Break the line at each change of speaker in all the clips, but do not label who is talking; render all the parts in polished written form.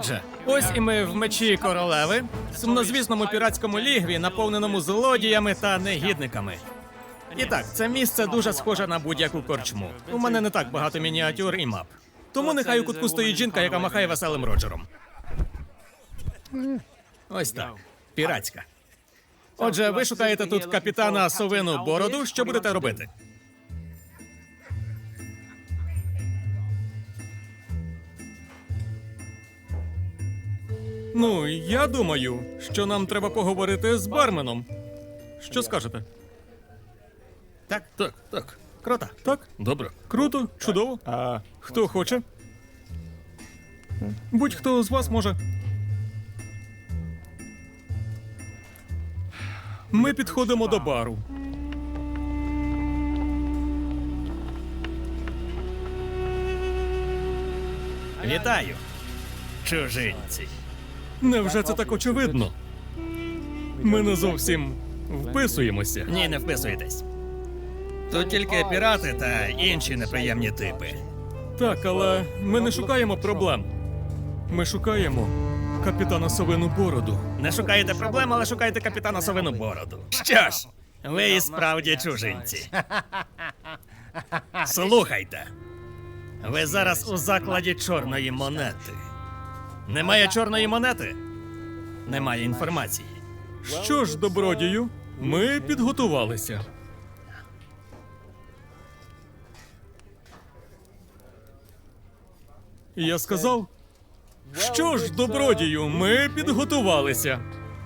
Отже, ось і ми в мечі королеви, сумнозвісному піратському лігві, наповненому злодіями та негідниками. І так, це місце дуже схоже на будь-яку корчму. У мене не так багато мініатюр і мап. Тому нехай у кутку стоїть жінка, яка махає веселим Роджером. Ось так. Піратська. Отже, ви шукаєте тут капітана Совину Бороду. Що будете робити? Ну, я думаю, що нам треба поговорити з барменом. Що скажете? Так, так, так. Круто. Так? Добре. Круто, чудово. А хто хоче? Будь-хто з вас може. Ми підходимо до бару. Вітаю, чужинці. Невже це так очевидно? Ми не зовсім вписуємося. Ні, не вписуєтесь. Тут тільки пірати та інші неприємні типи. Так, але ми не шукаємо проблем. Ми шукаємо капітана Совину Бороду. Не шукаєте проблем, але шукаєте капітана Совину Бороду. Що ж, ви і справді чужинці. Слухайте. Ви зараз у закладі чорної монети. Немає чорної монети? Немає інформації. Що ж, добродію, ми підготувалися. Я сказав, що ж, добродію, ми підготувалися.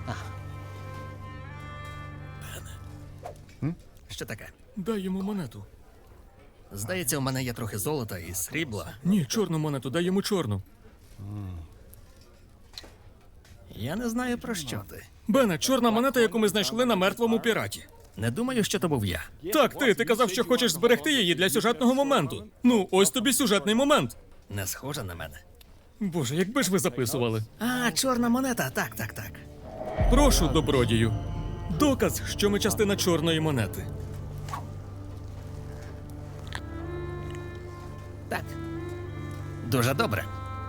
Що таке? Дай йому монету. Здається, у мене є трохи золота і срібла. Ні, чорну монету, дай йому чорну. Я не знаю, про що ти. Бене, чорна монета, яку ми знайшли на мертвому піраті. Не думаю, що то був я. Так, ти казав, що хочеш зберегти її для сюжетного моменту. Ну, ось тобі сюжетний момент. Не схоже на мене. Боже, якби ж ви записували. А, чорна монета, так. Прошу, добродію. Доказ, що ми частина чорної монети. Так. Дуже добре.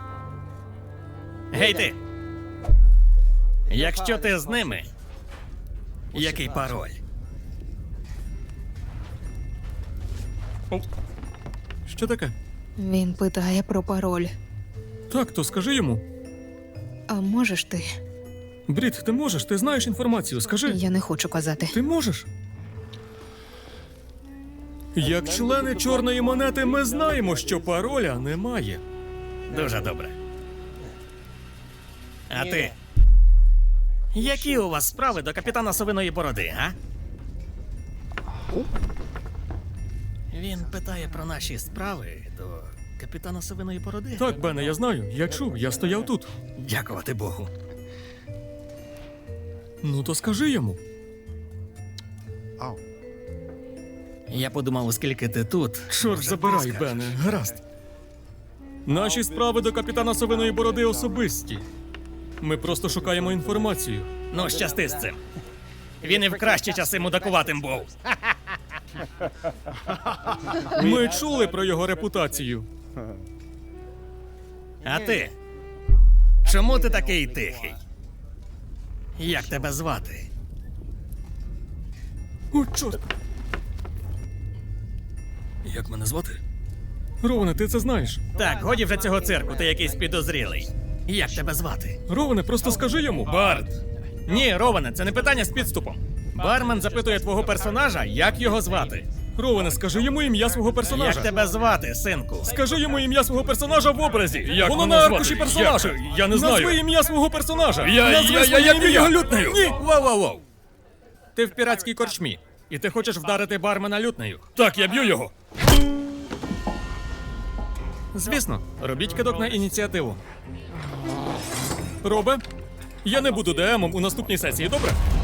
Гей ти! Якщо ти з ними, який пароль? Що таке?
Він питає про пароль.
Так, то скажи йому.
А можеш ти?
Брід, ти можеш? Ти знаєш інформацію, скажи.
Я не хочу казати.
Ти можеш? Як члени чорної монети ми знаємо, що пароля немає. Дуже добре. А ти? Які у вас справи до капітана Совиної Бороди, а? Він питає про наші справи до капітана Совиної Бороди. Так, Бене, я знаю. Я чув, я стояв тут. Дякувати Богу. Ну, то скажи йому. Я подумав, оскільки ти тут... Чорт забирай, Бене, гаразд. Наші справи до капітана Совиної Бороди особисті. Ми просто шукаємо інформацію. Ну, щасти з цим. Він і в кращі часи мудакуватим був. Ми чули про його репутацію. А ти? Чому ти такий тихий? Як тебе звати? О, чорт! Як мене звати? Роване, ти це знаєш? Так, годі вже цього цирку, ти якийсь підозрілий. Як тебе звати? Роване, просто скажи йому. Барт. Ні, Роване, це не питання з підступом. Бармен запитує твого персонажа, як його звати. Роване, скажи йому ім'я свого персонажа. Як тебе звати, синку? Скажи йому ім'я свого персонажа в образі. Як воно на аркуші персонажа. Я не знаю. Назви ім'я свого персонажа. Я його лютнею. Ні, воу. Ти в піратській корчмі. І ти хочеш вдарити бармена лютнею. Так, я б'ю його. Звісно, робіть кидок на ініціативу. Робе, я не буду ДМом у наступній сесії, добре?